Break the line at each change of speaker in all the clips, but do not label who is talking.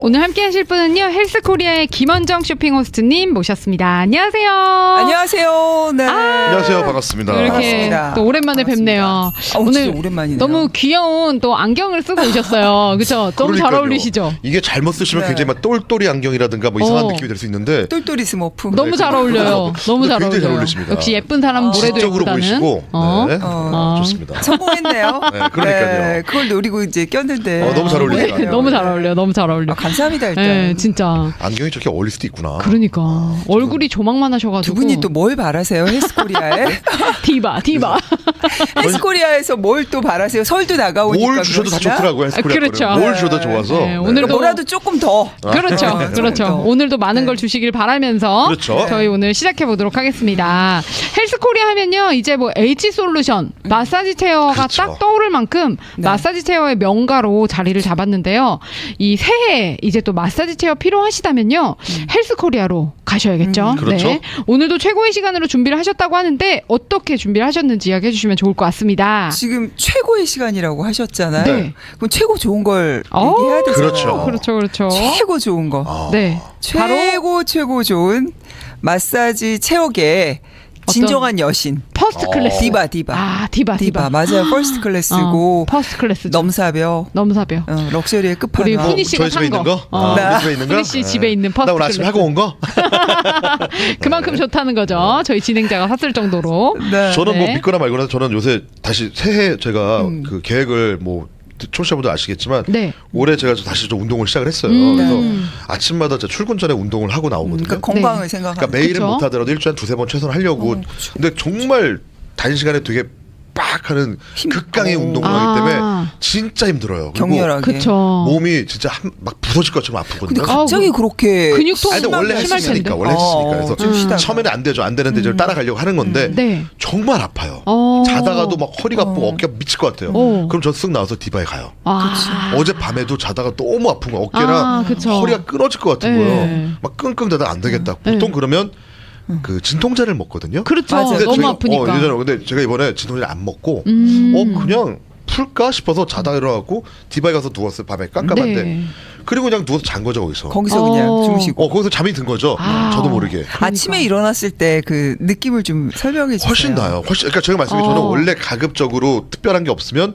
오늘 함께 하실 분은요, 헬스코리아의 김원정 쇼핑 호스트님 모셨습니다. 안녕하세요.
안녕하세요. 네.
안녕하세요. 반갑습니다.
이렇게
반갑습니다.
또 오랜만에
반갑습니다.
뵙네요.
오늘
오늘
오랜만이네요.
너무 귀여운 또 안경을 쓰고 오셨어요. 그렇죠? 너무 잘
그러니까요.
어울리시죠?
이게 잘못 쓰시면
네.
굉장히 막 똘똘이 안경이라든가 뭐 이상한
어.
느낌이 될 수 있는데
똘똘이 스머프.
너무 잘 어울려요. 너무 잘
굉장히 잘
어울려요.
어울리십니다.
역시 예쁜 사람은 뭐래도
지적으로
예쁘다는.
보이시고 네. 좋습니다.
성공했네요.
네, 그러니까요.
그걸 노리고 이제 꼈는데.
너무 잘 어울리네요.
네, 너무 잘 어울려요. 너무 잘 어울려.
감사합니다 일단.
네, 진짜.
안경이 저렇게 어울릴 수도 있구나.
그러니까 얼굴이 조망만 하셔가지고.
두 분이 또 뭘 바라세요 헬스코리아에?
디바.
헬스코리아에서 뭘 또 바라세요? 설도 나가오니까.
뭘 주셔도 다
그러시나?
좋더라고요. 헬스코리아
그렇죠.
거는. 뭘 주셔도 좋아서.
네,
네.
오늘도
뭐라도 조금 더.
그렇죠.
조금
그렇죠.
더.
오늘도 많은 걸 주시길 바라면서
그렇죠.
저희 오늘 시작해 보도록 하겠습니다. 헬스코리아 하면요. 이제 뭐 H솔루션 마사지 체어가
그렇죠.
딱 떠오를 만큼
네.
마사지 체어의 명가로 자리를 잡았는데요. 이 새해 이제 또 마사지 체어 필요하시다면요. 헬스코리아로 가셔야겠죠.
그렇죠.
오늘도 최고의 시간으로 준비를 하셨다고 하는데 어떻게 준비를 하셨는지 이야기해 주시면 좋을 것 같습니다.
지금 최고의 시간이라고 하셨잖아요.
네.
그럼 최고 좋은 걸
어,
얘기해야 되잖아요.
그렇죠.
그렇죠.
최고 좋은 거.
아.
네. 바로
최고 좋은 마사지 체육의 진정한 여신.
퍼스트 클래스.
디바.
아, 디바.
맞아요. 퍼스트 클래스고
퍼스트 클래스.
넘사벽.
넘사벽.
럭셔리의
우리
끝판왕.
훈이 씨가
저희 집에
산
있는
거.
거? 우리 집에 있는 거?
훈이 씨 집에 있는 퍼스트
나 오늘 아침에
클래스.
하고 온 거?
그만큼 좋다는 거죠. 저희 진행자가 샀을 정도로.
네.
저는
네.
뭐 믿거나 말거나 저는 요새 다시 새해 제가 그 계획을 뭐 청취자분들 아시겠지만
네.
올해 제가 다시 좀 운동을 시작을 했어요. 그래서 아침마다 제가 출근 전에 운동을 하고 나오거든요.
그러니까 건강을
네.
생각하는.
그러니까 매일은
그쵸?
못 하더라도 일주일에 두세 번 최소한 하려고.
그쵸.
근데 정말 단시간에 되게 빡 하는 극강의
오.
운동을 하기 때문에 진짜 힘들어요. 그리고
격렬하게.
그렇죠.
몸이 진짜 막 부서질 것처럼 아프거든요.
근데 갑자기 그렇게
근육통
아니, 근데 원래
심할
했으니까
텐데.
원래 했으니까 그래서
좀 쉬다가.
처음에는 안 되죠. 안 되는데 이제 따라가려고 하는 건데
네.
정말 아파요. 자다가도 막 허리가 아프고 어깨가 미칠 것 같아요. 그럼 저 쓱 나와서 디바에 가요.
아.
어제 밤에도 자다가 너무 아픈 거야. 어깨랑
아, 그쵸.
허리가 끊어질 것 같은
네.
거예요. 막 끙끙대다가 안 되겠다. 보통 그러면 그 진통제를 먹거든요.
그렇죠.
맞아요.
너무
제가,
아프니까.
예전에 근데 제가 이번에 진통제를 안 먹고 그냥 풀까 싶어서 자다가 일어나고 디바에 가서 누웠어요. 밤에 깜깜한데.
네.
그리고 그냥 누워서 잔 거죠 거기서.
거기서 그냥 주무시고.
거기서 잠이 든 거죠.
아.
저도 모르게.
아침에 일어났을 때 그 느낌을 좀 설명해 주세요.
훨씬 나아요. 훨씬. 그러니까 제가 말씀드린 저는 원래 가급적으로 특별한 게 없으면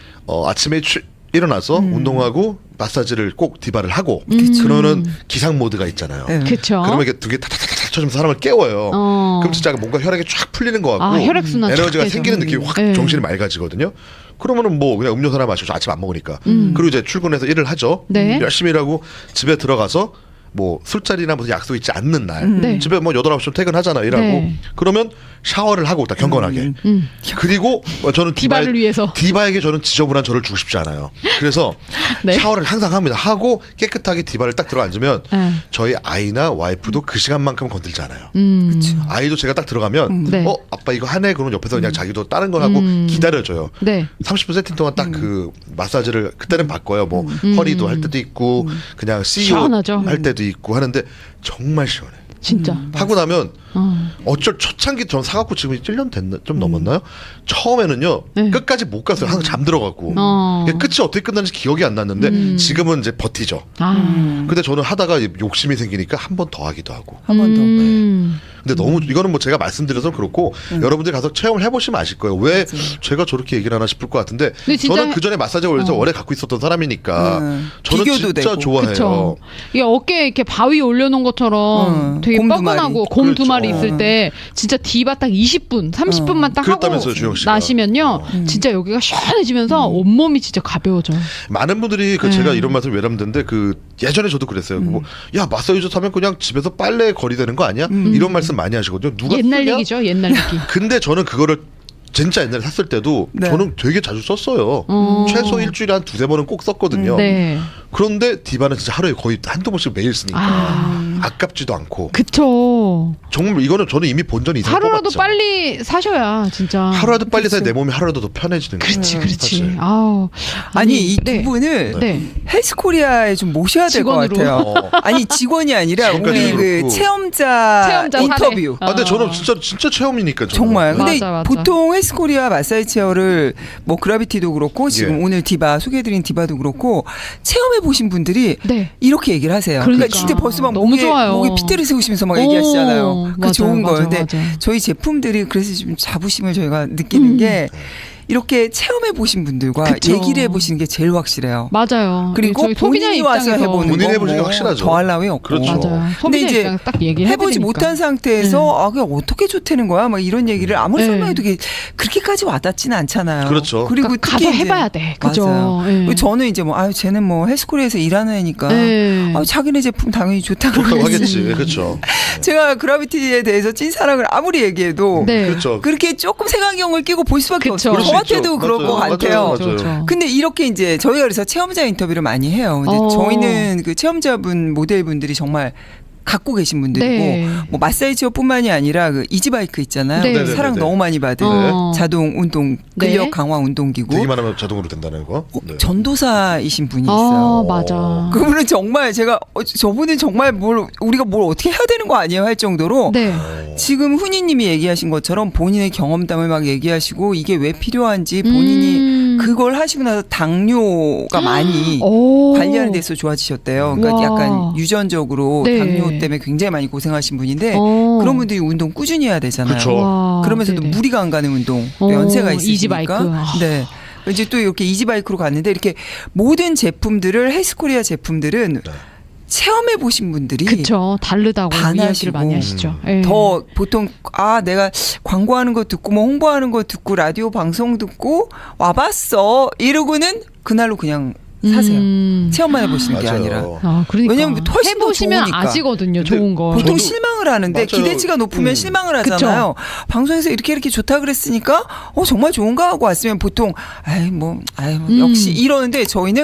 아침에 일어나서 운동하고 마사지를 꼭 디바를 하고 그러는 기상 모드가 있잖아요.
네.
그렇죠.
그러면 이게 두 개 타타타타 쳐주면 사람을 깨워요.
어.
그럼 진짜 뭔가 혈액이 쫙 풀리는 것 같고
아, 혈액순환 쫙
에너지가
되죠.
생기는 느낌이 확
네.
정신이 맑아지거든요. 그러면은 뭐 그냥 음료수 하나 마시고 아침 안 먹으니까. 그리고 이제 출근해서 일을 하죠.
네.
열심히 일하고 집에 들어가서 뭐 술자리나 무슨 약속 있지 않는 날
네.
집에 뭐 8, 9시쯤 퇴근하잖아 일하고
네.
그러면 샤워를 하고 딱 경건하게 그리고 저는
디바를 위해서.
디바에게 저는 지저분한 저를 주고 싶지 않아요. 그래서
네.
샤워를 항상 합니다. 하고 깨끗하게 디바를 딱 들어 앉으면
네.
저희 아이나 와이프도 그 시간만큼 건들지 않아요.
그렇죠.
아이도 제가 딱 들어가면
네.
아빠 이거 하네 그러면 옆에서 그냥 자기도 다른 거 하고 기다려줘요.
네.
30분 세팅 동안 딱 그 마사지를 그때는 바꿔요. 뭐 허리도 할 때도 있고 그냥 CEO
시원하죠.
할 때도 있고 하는데 정말 시원해.
진짜.
하고 나면 어쩔 초창기 전 사갖고 지금 1년 됐나 좀 넘었나요? 처음에는요
네.
끝까지 못 갔어요. 항상 잠들어갖고 끝이 어떻게 끝나는지 기억이 안 났는데 지금은 이제 버티죠.
아.
근데 저는 하다가 욕심이 생기니까 한 번 더 하기도 하고.
한 번 더.
근데 너무 이거는 뭐 제가 말씀드려서 그렇고 여러분들이 가서 체험을 해보시면 아실 거예요. 왜 제가 저렇게 얘기를 하나 싶을 것 같은데
근데 진짜
저는 그 전에 마사지가 원래 오래 갖고 있었던 사람이니까 저는
비교도
진짜
되고.
좋아해요.
그쵸. 이게 어깨에 이렇게 바위 올려놓은 것처럼 되게
곰 두
뻐근하고
마리.
곰 두
그렇죠.
마리 있을 때 진짜 디바 딱 20분, 30분만 딱 하고
그랬다면서요, 주영 씨가.
나시면요. 진짜 여기가 시원해지면서 온몸이 진짜 가벼워져요.
많은 분들이 그 제가 이런 말씀 왜 하는데 그 예전에 저도 그랬어요. 뭐, 야 마사지조 하면 그냥 집에서 빨래 거리되는 거 아니야? 이런 말씀 많이 하시거든요. 누가
옛날
쓰냐?
얘기죠, 옛날 얘기.
근데 저는 그거를 진짜 옛날에 샀을 때도
네.
저는 되게 자주 썼어요. 최소 일주일에 한 두세 번은 꼭 썼거든요.
네.
그런데 디바는 진짜 하루에 거의 한두 번씩 매일 쓰니까 아깝지도 않고
그쵸.
정말 이거는 저는 이미 본전 이상
하루라도
뽑았죠.
빨리 사셔야 진짜.
하루라도 빨리 사야 내 몸이 하루라도 더 편해지는 거예요.
그렇지, 그렇지.
사실.
아우.
아니 이 두
네.
분을
네.
헬스코리아에 좀 모셔야 될 것
직원으로.
같아요. 아니 직원이 아니라
지금까지도
우리 그
그렇고.
체험자
체험자
인터뷰.
사례.
아, 근데 저는 진짜 체험이니까 저는.
정말. 근데
맞아, 맞아.
보통 헬스코리아 마사지 체어를 뭐 그라비티도 그렇고 지금
예.
오늘 디바 소개해드린 디바도 그렇고 체험해 보신 분들이
네.
이렇게 얘기를 하세요. 그러니까,
그러니까.
진짜 벌써 막
너무 좋아요.
목에 핏대를 세우시면서 막
오,
얘기하시잖아요. 그
맞아요,
좋은 거예요.
맞아요,
근데
맞아요.
저희 제품들이 그래서 좀 자부심을 저희가 느끼는 게 이렇게 체험해 보신 분들과
그쵸.
얘기를 해보시는 게 제일 확실해요.
맞아요.
그리고
저희 소비자
본인이 와서
입장에서
해보는
본인이
거
해보시는 게
뭐
확실하죠.
더할 나위 없고.
그렇죠.
맞아요.
근데
소비자
이제
입장에서 딱 얘기를
해보지
해보니까.
못한 상태에서 아 그냥 어떻게 좋다는 거야? 막 이런 얘기를 아무리
네.
설명해도 그렇게까지 와닿지는 않잖아요.
그렇죠.
그리고
그러니까
특히
가서
이제
해봐야 돼. 그죠?
맞아요.
네.
그리고 저는 이제 뭐 아유 쟤는 뭐 헬스코리아에서 일하는 애니까
네.
아 자기네 제품 당연히 좋다고
좋다고
그러지.
하겠지. 그렇죠.
제가 그라비티에 대해서 찐 사랑을 아무리 얘기해도
네.
그렇죠.
그렇게 조금 색안경을 끼고 볼 수밖에
그쵸.
없어요.
그럴 수
저한테도
있죠.
그럴 것
맞아요.
같아요.
맞아요.
그렇죠.
근데 이렇게 이제 저희가 그래서 체험자 인터뷰를 많이 해요. 근데 저희는 그 체험자분 모델분들이 정말 갖고 계신 분들이고
네.
뭐 마사지 체어뿐만이 아니라 그 이지바이크 있잖아요.
네.
사랑
네네네네.
너무 많이 받은
어.
자동 운동 근력
네.
강화 운동기구.
되기만 하면 자동으로 된다는 거. 네.
전도사이신 분이 있어요.
맞아.
그분은 정말 제가 저분은 정말 우리가 뭘 어떻게 해야 되는 거 아니에요 할 정도로
네.
지금 훈이님이 얘기하신 것처럼 본인의 경험담을 막 얘기하시고 이게 왜 필요한지 본인이 그걸 하시고 나서 당뇨가 많이
오.
관리하는 데서 좋아지셨대요. 그러니까
와.
약간 유전적으로
네.
당뇨 때문에 굉장히 많이 고생하신 분인데
어.
그런 분들이 운동 꾸준히 해야 되잖아요.
그쵸.
와,
그러면서도
네네.
무리가 안 가는 운동, 또
어,
연세가 있으시니까.
이지바이크. 아.
네. 이제 또 이렇게 이지바이크로 갔는데 이렇게 모든 제품들을 헬스코리아 제품들은
네.
체험해 보신 분들이
그쵸. 다르다고
반하시고.
이야기를 많이 하시죠. 예.
더 보통 내가 광고하는 거 듣고 뭐 홍보하는 거 듣고 라디오 방송 듣고 와봤어 이러고는 그날로 그냥 사세요. 체험만 해보시는 게
맞아요.
아니라.
아, 그러니까.
왜냐면 훨씬 더
해보시면
좋으니까.
아시거든요.
근데
좋은 거.
보통
저도-
실망을 하는데
맞아요.
기대치가 높으면 실망을
그쵸.
하잖아요. 방송에서 이렇게 좋다 그랬으니까 정말 좋은가 하고 왔으면 보통 역시 이러는데 저희는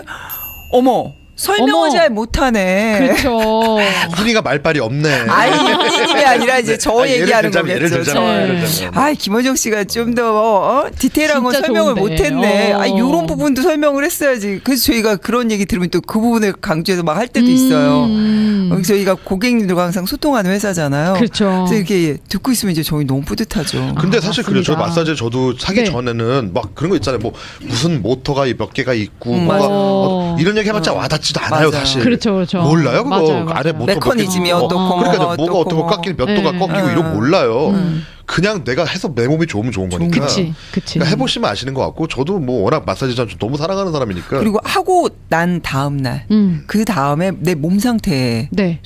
어머 설명을
어머.
잘 못하네.
그렇죠.
훈이가 말빨이 없네.
아니 훈이님이 아니라 이제 저
아니,
얘기하는
예를
거겠죠.
들자면,
네.
예를 들자면.
김원정 씨가 좀 더 디테일한 건
진짜
설명을
좋은데.
못했네.
어.
이런 부분도 설명을 했어야지. 그래서 저희가 그런 얘기 들으면 또 그 부분을 강조해서 막 할 때도 있어요. 저희가 고객님들과 항상 소통하는 회사잖아요.
그렇죠.
그래서 이렇게 듣고 있으면 이제 저희 너무 뿌듯하죠.
근데 사실 그래요. 저
맞습니다.
마사지 저도 사기
네.
전에는 막 그런 거 있잖아요. 뭐 무슨 모터가 몇 개가 있고
맞아.
이런 얘기 해봤자 와닿지도 않아요,
맞아.
사실.
그렇죠, 그렇죠.
몰라요, 그거.
맞아요,
안에
맞아요.
모터
메커니즘이
몇 개-
어떻고
그러니까
뭐가
뭐가 어떻고
어떻고.
깎이고 몇 도가
네.
꺾이고 이런 거 몰라요. 그냥 내가 해서 내 몸이 좋으면 좋은 거니까.
그치, 그치.
그러니까 해보시면 아시는 것 같고 저도 뭐 워낙 마사지 전 너무 사랑하는 사람이니까.
그리고 하고 난 다음 날, 그 다음에 내 몸 상태를
네.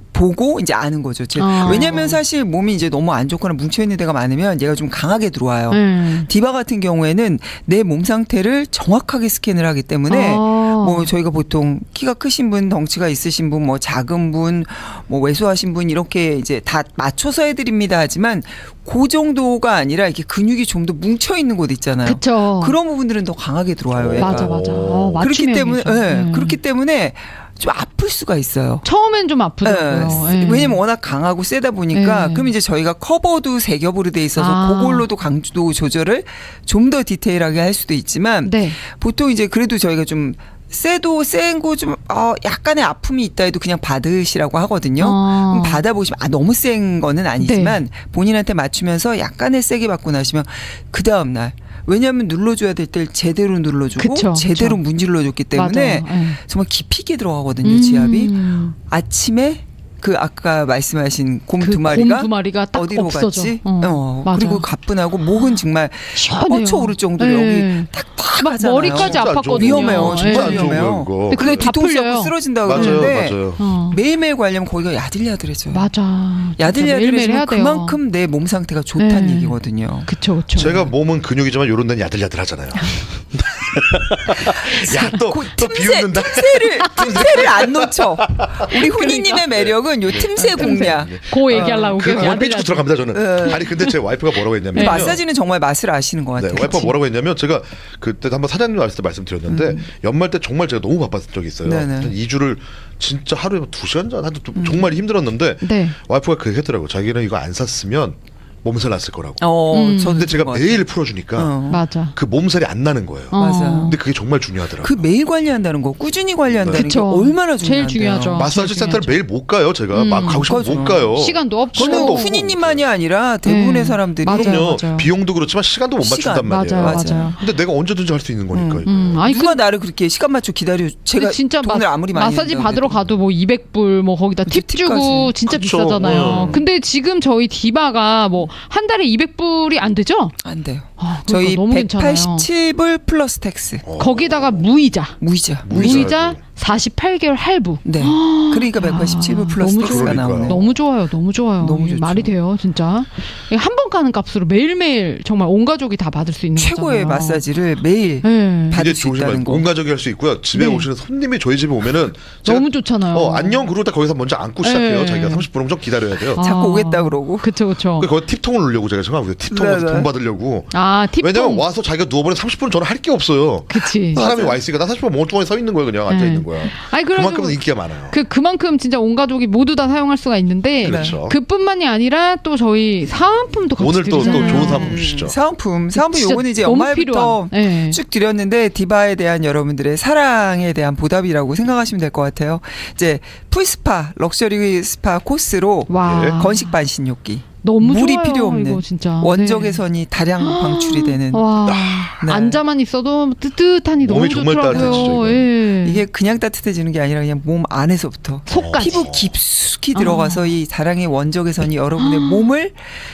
보고 이제 아는 거죠. 왜냐하면 사실 몸이 이제 너무 안 좋거나 뭉쳐 있는 데가 많으면 얘가 좀 강하게 들어와요. 디바 같은 경우에는 내 몸 상태를 정확하게 스캔을 하기 때문에 뭐 저희가 보통 키가 크신 분, 덩치가 있으신 분, 뭐 작은 분, 뭐 왜소하신 분 이렇게 이제 다 맞춰서 해드립니다. 하지만 그 정도가 아니라 이렇게 근육이 좀 더 뭉쳐 있는 곳 있잖아요.
그쵸.
그런 부분들은 더 강하게 들어와요. 얘가.
맞아, 맞아.
오.
그렇기
맞춤형이죠.
때문에 그렇기 때문에 좀 아플 수가 있어요.
처음엔 좀 아프더라고요.
예.
예.
왜냐면 워낙 강하고 세다 보니까
예.
그럼 이제 저희가 커버도 세 겹으로 돼 있어서
아.
그걸로도 강도 조절을 좀 더 디테일하게 할 수도 있지만
네.
보통 이제 그래도 저희가 좀 세도 센 거 좀 약간의 아픔이 있다 해도 그냥 받으시라고 하거든요. 그럼 받아보시면 너무 센 거는 아니지만
네.
본인한테 맞추면서 약간의 세게 받고 나시면 그 다음 날 왜냐하면 눌러줘야 될 때 제대로 눌러주고
그쵸,
제대로
그쵸.
문질러줬기 때문에
맞아요. 예.
정말 깊이 있게 들어가거든요. 지압이
음.
아침에 그 아까 말씀하신 곰
그
두 마리가
곰 두 마리가 딱
어디로
없어져.
갔지?
맞아.
그리고 가뿐하고 목은 정말
시원해요.
뻗쳐 오를 정도로
예.
여기 탁탁하잖아요.
머리까지
진짜 안 좋은
아팠거든요.
위험해요. 진짜
진짜 안 좋은
위험해요.
거예요, 그거.
근데
근데
다
뒤통수
풀려요.
잡고 쓰러진다
맞아요,
그러는데
맞아요.
매일매일 관리하면 거기가 야들야들해져요.
맞아.
야들야들해지면
해야 돼요.
그만큼 내 몸 상태가 좋다는
네.
얘기거든요.
그쵸, 그쵸.
제가 몸은 근육이지만 요런 데는 야들야들하잖아요. 야, 또 비웃는다.
틈새를 안 놓쳐. 우리 훈이님의 매력은 요 틈새 공략.
고 얘기하려고
그
계속
삐죽
야들야들.
들어갑니다 저는. 아니 근데 제 와이프가 뭐라고 했냐면
마사지는 정말 맛을 아시는 것 같아요.
네, 와이프가 뭐라고 했냐면 제가 그때 한번 사장님 왔을 때 말씀드렸는데 연말 때 정말 제가 너무 바빴던 적이 있어요.
네네.
한 2주를 진짜 하루에 2시간 전 정말 힘들었는데
네.
와이프가 그 얘기했더라고. 자기는 이거 안 샀으면 몸살 났을 거라고.
저도
근데 제가
그런 것
매일 풀어주니까
맞아.
그 몸살이 안 나는 거예요.
맞아.
근데 그게 정말 중요하더라고요.
그 매일 관리한다는 거, 꾸준히 관리한다는 게
그쵸.
얼마나
제일
중요한데요.
중요하죠.
마사지
제일
센터를
중요하죠.
매일 못 가요. 제가 막 가고 싶으면
맞아.
못 가요.
시간도 없고.
시간도
저는
없고.
훈이님만이 아니라 대부분의
네.
사람들이
맞아요.
그럼요. 비용도 그렇지만 시간도 못
시간.
맞춘단 말이에요.
맞아요.
근데 내가 언제든지 할 수 있는 거니까. 이거.
아니
누가 나를 그렇게 시간 맞춰 기다려? 제가
근데 진짜
돈을 아무리 많이
마사지
낸다고
받으러
해도.
가도 뭐 200불 뭐 거기다 팁
그치,
주고
팁까지.
진짜
그쵸.
비싸잖아요. 근데 지금 저희 디바가 뭐 한 달에 200불이 안 되죠?
안 돼요.
그러니까
저희
너무 괜찮아요.
187불 플러스 텍스.
거기다가 무이자.
무이자.
무이자 48개월 할부.
네. 그러니까 187불 플러스
너무
텍스가
그러니까요.
나오네.
너무 좋아요. 너무 좋아요.
너무
이게
좋죠.
말이 돼요, 진짜. 한 번 가는 값으로 매일매일 정말 온 가족이 다 받을 수 있는
최고의
거잖아요.
마사지를 매일
네.
받을
이게
수 있다는
조심하세요.
거.
온 가족이 할 수 있고요. 집에
네.
오시는 손님이 저희 집에 오면은 제가
너무 좋잖아요.
안녕 그러고 딱 거기서 먼저 앉고 시작해요.
네.
자기가 30분 좀 기다려야 돼요.
아.
자꾸 오겠다 그러고.
그쵸, 그쵸.
그래서 거기 팁통을 넣으려고 제가 생각하고 팁통에서
네, 네.
돈 받으려고.
아, 팁.
왜냐면 와서 자기가 누워버리면 30분은 저는 할 게 없어요.
그치.
사람이 와 있으니까 나 30분 멍뚱하게 서 있는 거야. 그냥 앉아 있는 거야.
아니,
그만큼 인기가 많아요.
그만큼 진짜 온 가족이 모두 다 사용할 수가 있는데
그렇죠.
그뿐만이 아니라 또 저희 사은품도 같이
오늘 또
드리잖아요.
좋은 사은품 주시죠.
사은품
진짜
요거는 이제
너무
연말부터
필요한. 네.
쭉 드렸는데 디바에 대한 여러분들의 사랑에 대한 보답이라고 생각하시면 될 것 같아요. 이제 풀스파 럭셔리 스파 코스로
와.
네.
건식 반신욕기.
너무
물이
좋아요,
필요 없는
이거 진짜.
원적외선이 다량 방출이 되는
와.
네.
앉아만 있어도 뜨뜻하니 너무
몸이 정말
좋더라고요.
따뜻해지죠, 이거.
예.
이게 그냥 따뜻해지는 게 아니라 그냥 몸 안에서부터
속까지.
피부 깊숙이 들어가서 이 다량의 원적외선이 여러분의 몸을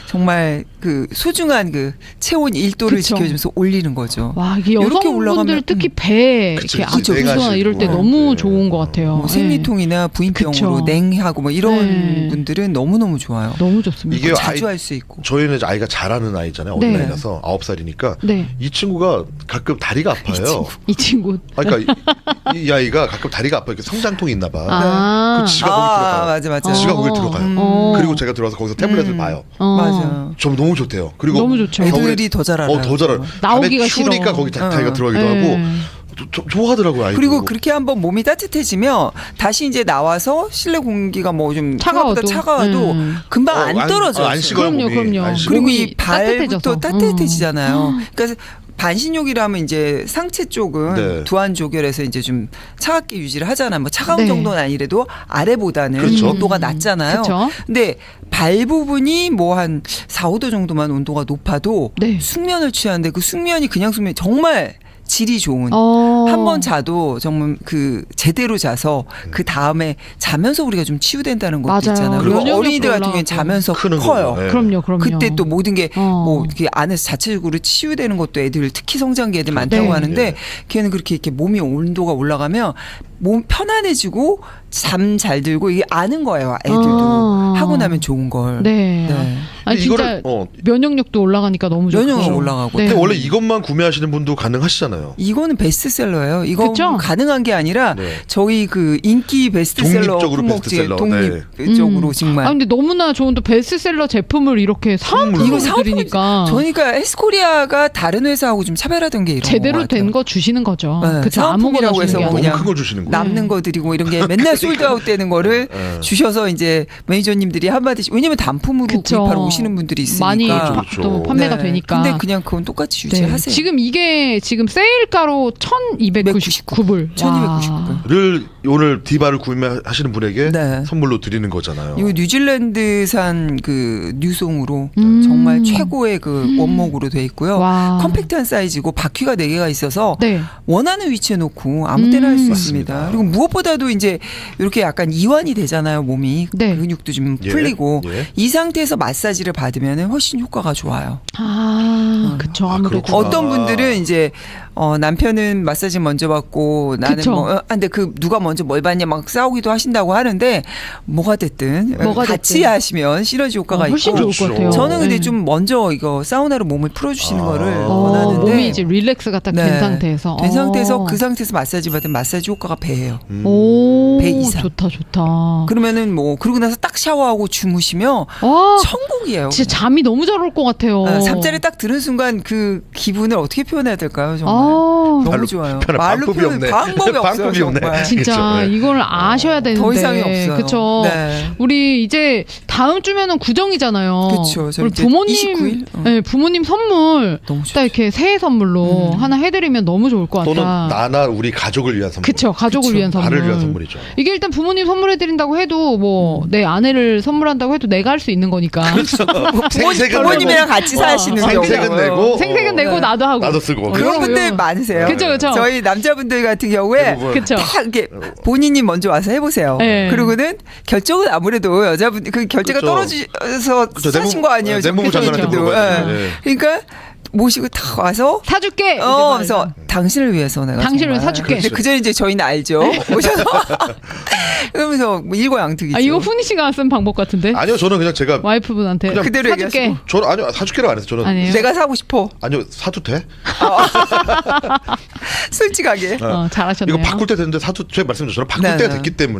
정말 그 소중한 그 체온 1도를
그쵸.
지켜주면서 올리는 거죠.
와, 이게
이렇게
여성분들
올라가면,
특히 배
그쵸,
이렇게
그쵸.
아프거나
배가
이럴 때
아시고.
너무
네.
좋은 것 같아요.
뭐
예.
생리통이나 부인병으로
그쵸.
냉하고 뭐 이런
네.
분들은 너무너무 좋아요.
너무 좋습니다.
이게
자주
아이-
할 수 있고.
저희는 이제 아이가 잘하는 아이잖아요.
네.
어린아이라서 9살이니까
네.
이 친구가 가끔 다리가 아파요.
이 친구.
그러니까 이 아이가 가끔 다리가 아파요. 이렇게 성장통이 있나 봐.
아.
그 지가 거기 들어가요.
맞아 맞아.
지가 거기 들어가요.
음.
그리고 제가 들어가서 거기서 태블릿을 봐요.
맞아.
좀 너무 좋대요. 그리고
너무 좋죠.
애들이 더 잘 알아요.
더 잘 알아요.
나오기가
밤에 추우니까
싫어.
거기 다리가 들어가기도
네.
하고 좋아하더라고요. 아이도.
그리고 그렇게 한번 몸이 따뜻해지면 다시 이제 나와서 실내 공기가 뭐 좀
차가워도.
차가워도 금방 안 떨어져요.
안 식어요.
그럼요,
몸이.
그럼요.
안 식어요.
그리고
몸이
이 발부터
따뜻해져서.
따뜻해지잖아요. 그러니까 반신욕이라면 이제 상체 쪽은
네.
두안 조결해서 이제 좀 차갑게 유지를 하잖아요. 뭐 차가운
네.
정도는 아니래도 아래보다는
그렇죠.
온도가 낮잖아요.
그쵸.
근데 발 부분이 뭐 한 4, 5도 정도만 온도가 높아도
네.
숙면을 취하는데 그 숙면이 그냥 숙면 정말 질이 좋은 한 번 자도 정말 그 제대로 자서 그 다음에 자면서 우리가 좀 치유된다는 것도
맞아요.
있잖아요. 그리고
면역력도
어린이들 같은 경우는
올라가고.
자면서
크는
커요.
거죠. 네.
그럼요, 그럼요.
그때 또 모든 게
어.
뭐 이렇게 안에서 자체적으로 치유되는 것도 애들 특히 성장기 애들 많다고
네.
하는데
네.
걔는 그렇게 이렇게 몸이 온도가 올라가면 몸 편안해지고 잠 잘 들고 이게 아는 거예요. 애들도
아.
하고 나면 좋은 걸.
네.
네.
아니
근데
진짜
이거를
면역력도 올라가니까 너무 좋고.
면역력 올라가고.
네.
근데 원래 이것만 구매하시는 분도 가능하시잖아요.
이거는 베스트셀러예요. 이거
그쵸?
가능한 게 아니라
네.
저희 그 인기 베스트셀러
독립적으로
품목지에
베스트셀러.
독립적으로 정말.
아 근데 너무나 좋은 또 베스트셀러 제품을 이렇게 사은품으로
이거 사은품이-
드리니까
저희가 헬스코리아가 다른 회사하고 좀 차별화된 게 이런
제대로
것
된
같아요.
거 주시는 거죠.
네,
그쵸, 아무거나
사은품이라고
주는
해서
게
뭐
너무
아니라.
그냥
큰 거 주시는 거예요.
남는 거 드리고 이런 게 맨날 솔드아웃 되는 거를
네.
주셔서 이제 매니저님들이 한마디씩 왜냐면 단품으로
그쵸.
구입하러 오시는 분들이 있으니까.
많이
그렇죠.
또 판매가
네.
되니까.
근데 그냥 그건 똑같이
네.
유지하세요.
지금 이게 지금 세일가로 1,299불.
1299불.
를 오늘 디바를 구매하시는 분에게
네.
선물로 드리는 거잖아요.
이거 뉴질랜드산 그 뉴송으로
음.
정말 최고의 그 원목으로 돼 있고요.
와.
컴팩트한 사이즈고 바퀴가 4개가 있어서
네.
원하는 위치에 놓고 아무 때나 할 수 있습니다.
맞습니다.
그리고 무엇보다도 이제 이렇게 약간 이완이 되잖아요, 몸이.
네.
근육도 좀
예,
풀리고
예.
이 상태에서 마사지를 받으면 훨씬 효과가 좋아요.
그쵸.
아,
아무래도.
그렇구나.
어떤 분들은 이제 남편은 마사지 먼저 받고 나는
그쵸.
뭐 근데 그 누가 먼저 뭘 받냐 막 싸우기도 하신다고 하는데 뭐가 됐든 같이
됐든.
하시면 시너지 효과가
훨씬
있고
좋을 것 같아요.
저는 근데
네.
좀 먼저 이거 사우나로 몸을 풀어주시는 거를 원하는데
몸이 이제 릴렉스가 딱 된
네.
상태에서.
된 상태에서 그 상태에서 마사지 받으면 마사지 효과가 배예요.
오,
배 이상.
좋다, 좋다.
그러면은 뭐 그러고 나서 딱 샤워하고 주무시면
와,
천국이에요.
진짜 잠이 너무 잘 올 것 같아요.
잠자리 딱 드는 순간 그 기분을 어떻게 표현해야 될까요? 정말. 너무
말로
좋아요.
표현할
말로
방법이
표현
없네.
방법이 없어요.
방법이 없네.
정말.
진짜
그렇죠. 네.
이걸 아셔야 되는데
더 이상이 없어요.
그쵸.
네.
우리 이제 다음 주면은 구정이잖아요.
그쵸. 저
우리
이제
부모님
29일?
네, 부모님 선물
너무
딱
좋죠.
이렇게 새해 선물로 하나 해드리면 너무 좋을 것
또는
같다.
나나 우리 가족을 위한 선물.
그쵸, 가족을
그쵸.
위한 선물.
나를 위한 선물이죠.
이게 일단 부모님 선물해드린다고 해도 뭐 내 아내를 선물한다고 해도 내가 할 수 있는 거니까.
그렇죠. 생색은
부모님이랑 같이 사시는
생색은
경우요.
내고
생색은 내고
네.
나도 하고.
나도 쓰고.
그런 분들
요런.
많으세요.
그쵸, 그쵸.
저희 남자분들 같은 경우에
대부분.
그쵸.
다 이렇게 본인이 먼저 와서 해보세요.
네.
그리고는 결정은 아무래도 여자분 그 결제가
그쵸.
떨어져서
그쵸.
사신 거 아니에요?
내무부
그쵸,
장관한테
그쵸.
물어봐야 돼요.
예.
예.
그러니까 모시고 다 와서
사줄게.
그래서 당신을 위해서 내가
당신을
정말.
사줄게.
근데 그 전에 이제 저희는 알죠. 오셔서 그러면서 뭐 일거양득이죠.
아 이거 훈이 씨가 쓴 방법 같은데.
아니요, 저는 그냥 제가
와이프분한테
그냥
그대로
사줄게.
얘기하시고.
저는 아니요 사줄게로 안 해서 저는
아니에요.
내가 사고 싶어.
아니요 사도 돼?
솔직하게.
잘하셨네요.
이거 바꿀 때 됐는데 사도 제가 말씀드렸죠. 저는 바꿀
네,
때가
네.
됐기 때문에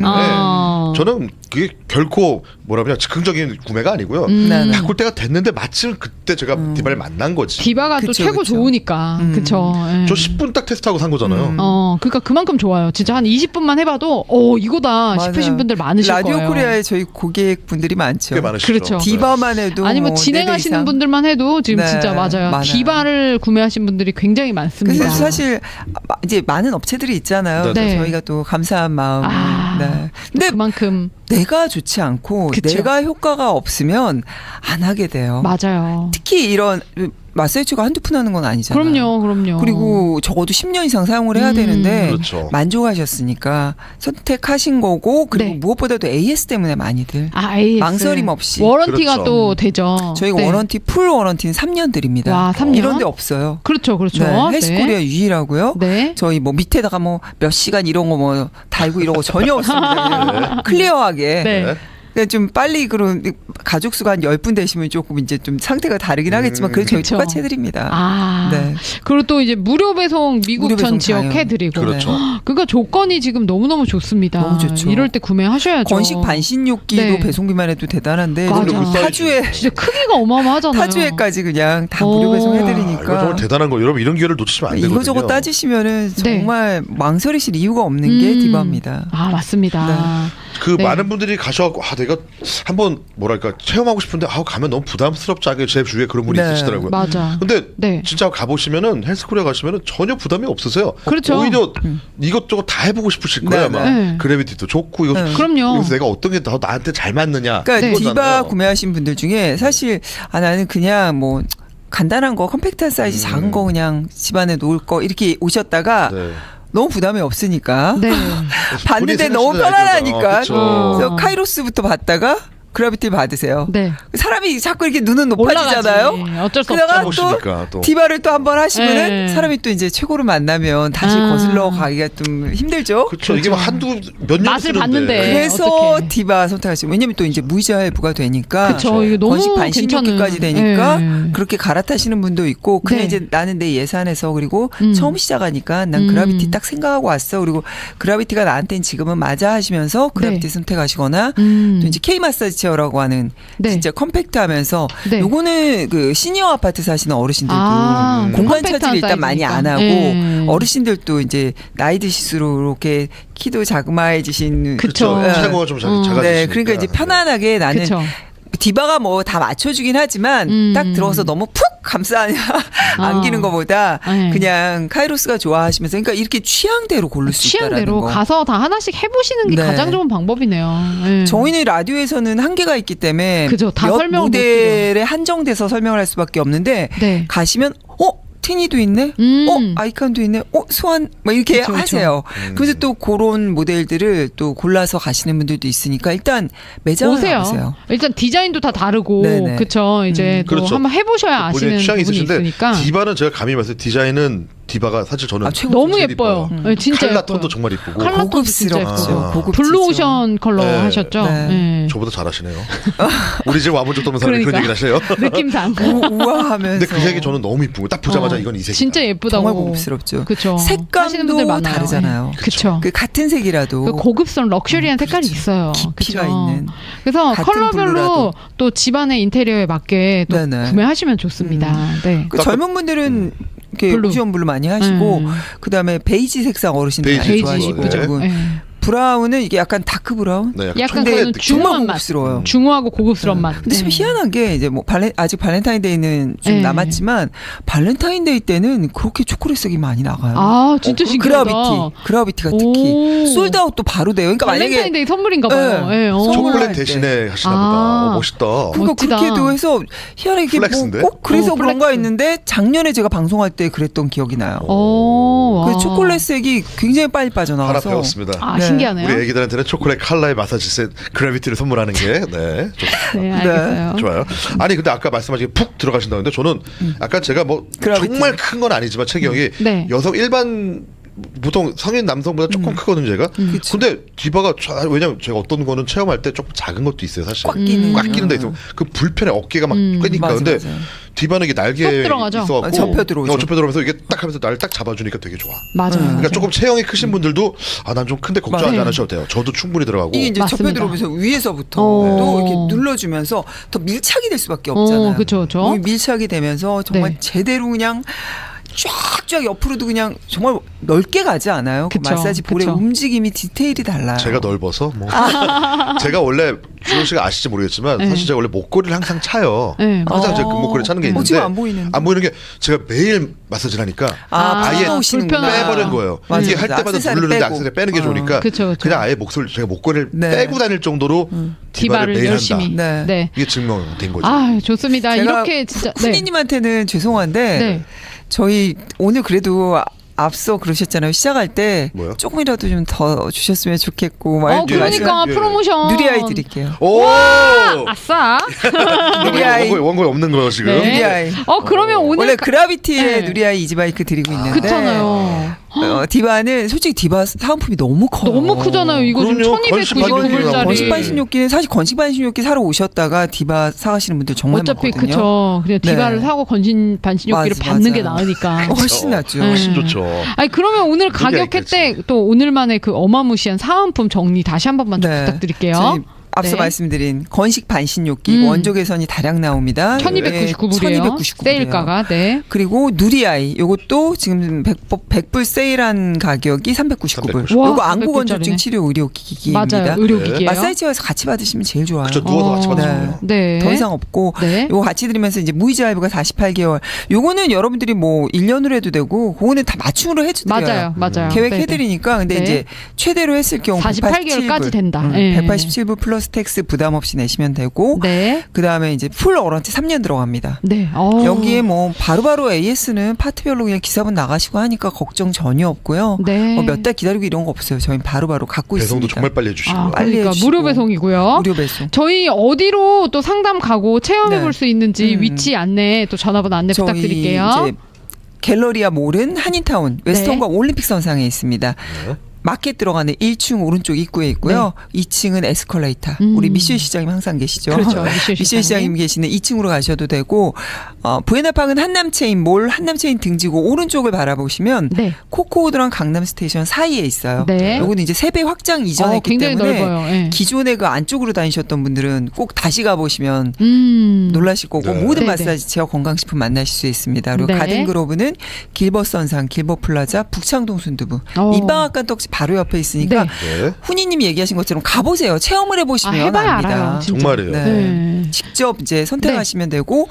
저는 그게 결코 뭐라면 즉흥적인 구매가 아니고요.
네, 네.
바꿀 때가 됐는데 마침 그때 제가 디바를 만난 거지.
디바가 또
그쵸,
최고
그쵸.
좋으니까. 그쵸. 예.
저 10분 딱 테스트하고 산 거잖아요.
그러니까 그만큼 좋아요. 진짜 한 20분만 해봐도 이거다
맞아요.
싶으신 분들 많으실
라디오
거예요.
코리아에 저희 고객분들이 많죠.
꽤 많으시죠.
그렇죠.
디바만 해도
아니 뭐
네 대
진행하시는
이상.
분들만 해도 지금
네,
진짜 맞아요.
많아요.
디바를 구매하신 분들이 굉장히 많습니다.
그래서 사실 이제 많은 업체들이 있잖아요.
네.
저희가 또 감사한 마음.
아,
네. 근데
그만큼
내가 좋지 않고
그쵸.
내가 효과가 없으면 안 하게 돼요.
맞아요.
특히 이런 마사지가 한두 푼 하는 건 아니잖아요.
그럼요.
그리고 적어도 10년 이상 사용을 해야 되는데
그렇죠.
만족하셨으니까 선택하신 거고 그리고
네.
무엇보다도 AS 때문에 많이들
AS.
망설임 없이.
워런티가
그렇죠.
또 되죠.
저희가
네.
워런티 풀 워런티는 3년 드립니다.
와, 3년?
이런 데 없어요.
그렇죠.
네, 헬스코리아 유일하고요.
네.
저희 뭐 밑에다가 뭐 몇 시간 이런 거 뭐 달고 이런 거 전혀 없습니다. 그냥 클리어하게.
네.
근데 좀 빨리 그런 가족 수가 한 10분 되시면 조금 이제 좀 상태가 다르긴 하겠지만 그래도 저희
그쵸.
똑같이 해드립니다.
네. 그리고 또 이제 무료 배송 미국
무료 배송
전 지역
다요.
해드리고.
그렇죠.
그러니까 조건이 지금 너무너무 좋습니다.
너무 좋죠.
이럴 때 구매하셔야죠.
건식 반신욕기도
네.
배송비만 해도 대단한데
맞아.
그리고 타주에
진짜 크기가 어마어마하잖아요.
타주에까지 그냥 다 무료
아, 이거
배송해드리니까
정말 대단한 거. 여러분 이런 기회를 놓치시면 안 되거든요.
이거저거 따지시면은
네.
정말 망설이실 이유가 없는 게 디바입니다.
맞습니다.
그
네.
많은 분들이 가셔갖고 내가 한번 뭐랄까 체험하고 싶은데 가면 너무 부담스럽지 않게 제 주위에 그런 분이
네.
있으시더라고요.
맞아.
근데
네.
진짜 가보시면은 헬스코리아 가시면은 전혀 부담이 없으세요.
그렇죠.
오히려 이것저것 다 해보고 싶으실 거예요.
네,
아마
네.
그래비티도 좋고 이거
네.
그럼요.
여기서 내가 어떤 게 더 나한테 잘 맞느냐.
그러니까
네.
디바
그거잖아요.
구매하신 분들 중에 사실 나는 그냥 뭐 간단한 거 컴팩트한 사이즈 작은 거 그냥 집안에 놓을 거 이렇게 오셨다가
네.
너무 부담이 없으니까
네.
봤는데
본인이
너무
생각하시는
편안하니까
아이디어죠.
그래서 카이로스부터 받다가 그라비티 받으세요.
네.
사람이 자꾸 이렇게 눈은 높아지잖아요.
올라가지. 어쩔 수
그러다가
없죠.
보시니까 또.
디바를 또 한 번 하시면은
네.
사람이 또 이제 최고를 만나면 다시 거슬러 가기가 좀 힘들죠.
그렇죠. 이게 뭐 한두 몇 년
맛을 봤는데.
그래서
어떡해.
디바 선택하시면 왜냐면 또 이제 무이자 할부가 되니까
그쵸. 이거 너무
건식 반신욕기까지
괜찮은.
되니까
네.
그렇게 갈아타시는 분도 있고 그냥
네.
이제 나는 내 예산에서 그리고
음.
처음 시작하니까 난 그라비티 딱 생각하고 왔어. 그리고 그라비티가 나한테는 지금은 맞아 하시면서 그라비티
네.
선택하시거나
음.
또 이제 K 마사지 체어라고 하는
네.
진짜 컴팩트하면서
네.
요거는 그 시니어 아파트 사시는 어르신들도 공간 차지를
컴팩트한
일단 많이 안 하고
사이즈니까.
어르신들도 이제 나이 드실수록 이렇게 키도 자그마해지신
그쵸.
예.
최고가 좀 작아지시니까.
네, 그러니까 이제 편안하게 나는
그쵸.
디바가 뭐 다 맞춰주긴 하지만 딱 들어서 너무 푹 안기는 것보다
네.
그냥 카이로스가 좋아하시면서 그러니까 이렇게 취향대로 고를 수 있다라는
취향대로
거.
가서 다 하나씩 해보시는 게
네.
가장 좋은 방법이네요. 네.
저희는 라디오에서는 한계가 있기 때문에
그죠. 다
몇
설명을 못
모델에 한정돼서 설명을 할 수밖에 없는데
네.
가시면 티니도 있네. 아이칸도 있네. 스완 뭐 이렇게
그쵸, 그쵸.
하세요. 그래서 또 그런 모델들을 또 골라서 가시는 분들도 있으니까 일단 매장을
오세요.
가보세요.
일단 디자인도 다 다르고
네네.
그쵸. 이제 또
그렇죠.
한번 해보셔야
본인의
아시는
취향이
부분이
있으신데
있으니까.
디바는 제가 감히 말해서 디자인은 디바가 사실 저는
최고.
너무
제일
예뻐요.
이뻐요.
네, 진짜
칼라
예뻐요.
톤도 정말 이쁘고
칼라 톤도 진짜
고급스럽죠.
예뻐요.
고급지죠.
블루오션 컬러
네.
하셨죠?
네.
네.
저보다 잘하시네요. 우리 집 와본 적도 없는 사람이 그런
그러니까.
얘기를 하셔요.
느낌상.
우아하면서.
근데 그 색이 저는 너무 이쁘고 딱 보자마자 이건 이 색이다.
진짜 예쁘다고.
정말 고급스럽죠.
그쵸. 하시는 분들
색감도
많아요.
다르잖아요.
네. 그쵸.
그 같은 색이라도
그 고급스러운 럭셔리한 색깔이 있어요.
깊이가
그쵸?
있는.
그래서
같은
컬러별로
블루라도.
또 집안의 인테리어에 맞게 또
네네.
구매하시면 좋습니다. 네.
그 젊은 분들은 이렇게
블루.
오션 블루 많이 하시고 그다음에 베이지 색상 어르신들 많이
베이지
좋아하시고
예쁘죠. 네.
브라운은 이게 약간 다크 브라운.
네,
약간
근데
그거는
정말
중후한 맛.
고급스러워요.
중후하고 고급스러운 맛.
근데 좀 희한한 게 이제 뭐 아직 발렌타인데이는 좀
네.
남았지만 발렌타인데이 때는 그렇게 초콜릿색이 많이 나가요.
아 진짜 신기하다.
그라비티가 특히
오.
솔드아웃도 바로 돼요. 그러니까 만약에
발렌타인데이 선물인가 봐요.
네.
예, 어.
선물
초콜릿
할
대신에 하시나
아.
보다. 멋있다.
그러니까
멋지다.
그렇게도 해서 희한하게 이게
플렉스인데?
뭐꼭 그래서 그런가
플렉스.
했는데 작년에 제가 방송할 때 그랬던 기억이 나요.
오,
그
와.
초콜릿색이 굉장히 빨리
하나
빠져나와서
배웠습니다.
아
네.
신기하네요.
우리 애기들한테는 초콜릿 칼라의 마사지 셋 그래비티를 선물하는 게 네,
네 알겠어요.
좋아요. 아니 근데 아까 말씀하신 푹 들어가신다는데 저는 약간 제가 뭐
그라비티.
정말 큰 건 아니지만 체격이
네.
여성 일반 보통 성인 남성보다 조금 크거든요 제가.
그치.
근데 디바가 왜냐면 제가 어떤 거는 체험할 때 조금 작은 것도 있어요 사실.
꽉 끼는
꽉 끼는 데 있어. 그 불편해 어깨가 막 끄니까.
맞아,
근데
맞아요.
디바는 이게 날개
쏙 들어가죠.
있어갖고
접혀 들어오죠.
접혀 들어오면서 이게 딱 하면서 날 딱 잡아주니까 되게 좋아.
맞아요.
그러니까 조금 체형이 크신 분들도 아 난 좀 큰데 걱정하지
맞아요.
않으셔도 돼요. 저도 충분히 들어가고.
이게 이제 접혀
맞습니다.
들어오면서 위에서부터
어.
또 이렇게 눌러주면서 더 밀착이 될 수밖에 없잖아요.
그쵸, 그쵸.
몸이 밀착이 되면서 정말
네.
제대로 그냥 쫙쫙 옆으로도 그냥 정말 넓게 가지 않아요. 그
그쵸,
마사지 볼의
그쵸.
움직임이 디테일이 달라요.
제가 넓어서 뭐 제가 원래 주호 씨가 아실지 모르겠지만
네.
사실 제가 원래 목걸이를 항상 차요.
네,
항상 제가
어.
목걸이 차는 게 있는데
지금 안 보이는데.
안 보이는 게 제가 매일 마사지를 하니까 아예
오시는구나.
빼버린 거예요.
맞아요.
이게 할 때마다
액세서리
누르는데
빼고.
악세사리 빼는 게 좋으니까
그쵸, 그쵸.
그냥 아예 제가 목걸이를
네.
빼고 다닐 정도로 디바를
디바를
매일
열심히.
한다.
네.
네.
이게 증명된 거죠.
아 좋습니다.
제가
이렇게 진짜 네.
후니님한테는 죄송한데
네.
저희 오늘 그래도 앞서 그러셨잖아요. 시작할 때
뭐요?
조금이라도 좀 더 주셨으면 좋겠고 막 이렇게
그러니까
예.
프로모션
누리아이 드릴게요.
오!
아싸.
누리아이.
원고에 없는 거 지금.
네.
누리아이.
그러면 오늘
원래 그라비티의
네.
누리아이 이지바이크 드리고 있는데
그렇잖아요.
디바는 솔직히 디바 사은품이 너무 커요.
너무 크잖아요. 이거 지금
그럼요.
1299불짜리.
건식 반신욕기는 사실 건식 반신욕기 사러 오셨다가 디바 사가시는 분들 정말
어차피
많거든요.
그쵸. 그냥 디바를
네.
사고 건신 반신욕기를
맞아,
받는
맞아.
게 나으니까.
훨씬 낫죠.
훨씬
네.
좋죠.
아니 그러면 오늘 가격
얘기했지.
혜택 또 오늘만의 그 어마무시한 사은품 정리 다시 한 번만 좀
네.
부탁드릴게요.
저희 앞서
네.
말씀드린 건식 반신욕기 원조 개선이 다량 나옵니다.
1299불이에요.
1299불이에요.
세일가가. 네.
그리고 누리아이 요것도 지금 100불 세일한 가격이 399불.
와,
요거 안구
300불
건조증
짜리네.
치료 의료기기입니다.
맞아요. 의료기기예요.
마사지처에서 같이 받으시면 제일 좋아요.
그쵸, 누워서 같이 받으시면 돼요.
네.
더 이상 없고
네.
요거 같이 드리면서 이제 무이자 할부가 48개월. 요거는 여러분들이 뭐 1년으로 해도 되고 그거는 다 맞춤으로 해도 돼요.
맞아요.
계획해
네네.
드리니까 근데
네.
이제 최대로 했을 경우
48개월까지 된다. 네.
187불 플러스 텍스 부담 없이 내시면 되고
네.
그다음에 이제 풀 워런티 3년 들어갑니다.
네.
여기에 뭐 바로바로 AS는 파트별로 그냥 기사분 나가시고 하니까 걱정 전혀 없고요.
네.
뭐 몇 달 기다리고 이런 거 없어요. 저희는 바로바로 갖고
배송도
있습니다.
정말 빨리 해주시고.
빨리
그러니까
해주시고.
무료 배송이고요.
무료 배송.
저희 어디로 또 상담 가고 체험해 볼
네.
수 있는지 위치 안내 또 전화번호 안내
저희
부탁드릴게요.
이제 갤러리아 몰은 한인타운 웨스턴과 올림픽 선상에 있습니다.
네.
마켓 들어가는 1층 오른쪽 입구에 있고요. 2층은 에스컬레이터. 우리 미셸 시장님 항상 계시죠.
그렇죠. 미셸
미셸 시장님 계시는 2층으로 가셔도 되고 부에나파크는 한남체인 몰 한남체인 등지고 오른쪽을 바라보시면
네.
코코우드랑 강남 스테이션 사이에 있어요.
네.
요거는 이제 3배 확장 이전했기
굉장히
때문에
넓어요. 네.
기존에 그 안쪽으로 다니셨던 분들은 꼭 다시 가보시면 놀라실 거고
네.
모든
네네.
마사지 체어 건강식품 만나실 수 있습니다. 그리고
네.
가든그로브는 길버선상 길버플라자 북창동 순두부 민방앗간 떡집 바로 옆에 있으니까
네.
네.
훈이님이 얘기하신 것처럼 가보세요. 체험을 해보시면
해봐야
압니다.
알아요. 진짜.
정말이에요.
네.
네.
직접 이제 선택하시면 되고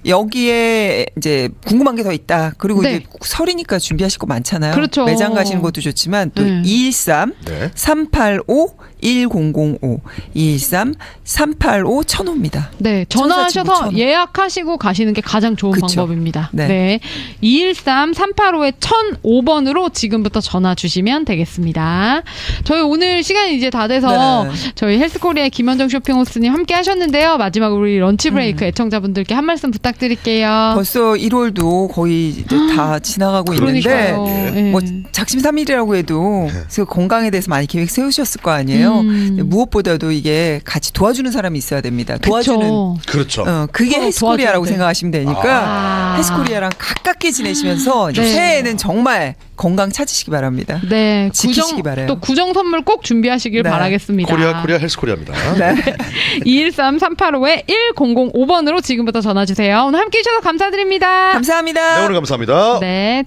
여기에 이제 궁금한 게 더 있다. 그리고
네.
이제 설이니까 준비하실 거 많잖아요.
그렇죠.
매장 가시는 것도 좋지만 또
네.
213
네.
385 1005 213 385 1005입니다.
네, 전화하셔서 예약하시고 가시는 게 가장 좋은
그쵸.
방법입니다.
네.
네. 213-385-1005번으로 지금부터 전화 주시면 되겠습니다. 저희 오늘 시간이 이제 다 돼서
네.
저희 헬스코리아의 김현정 쇼핑호스님 함께 하셨는데요. 마지막으로 우리 런치 브레이크 애청자분들께 한 말씀 부탁드릴게요.
벌써 1월도 거의 이제 다 지나가고 있는데
그러니까요. 네.
뭐 작심삼일이라고 해도 그 건강에 대해서 많이 계획 세우셨을 거 아니에요. 있잖아요. 무엇보다도 이게 같이 도와주는 사람이 있어야 됩니다. 도와주는
그렇죠.
그게
서로
헬스코리아라고
도와줘야 돼.
생각하시면 되니까 헬스코리아랑 가깝게 지내시면서
네.
새해에는 정말 건강 찾으시기 바랍니다.
네,
지키시기 바라요.
또 구정 선물 꼭 준비하시길
네.
바라겠습니다.
코리아 헬스코리아입니다.
네.
213-385-1005번으로 지금부터 전화 주세요. 오늘 함께 해주셔서 감사드립니다.
감사합니다.
네, 오늘 감사합니다.
네.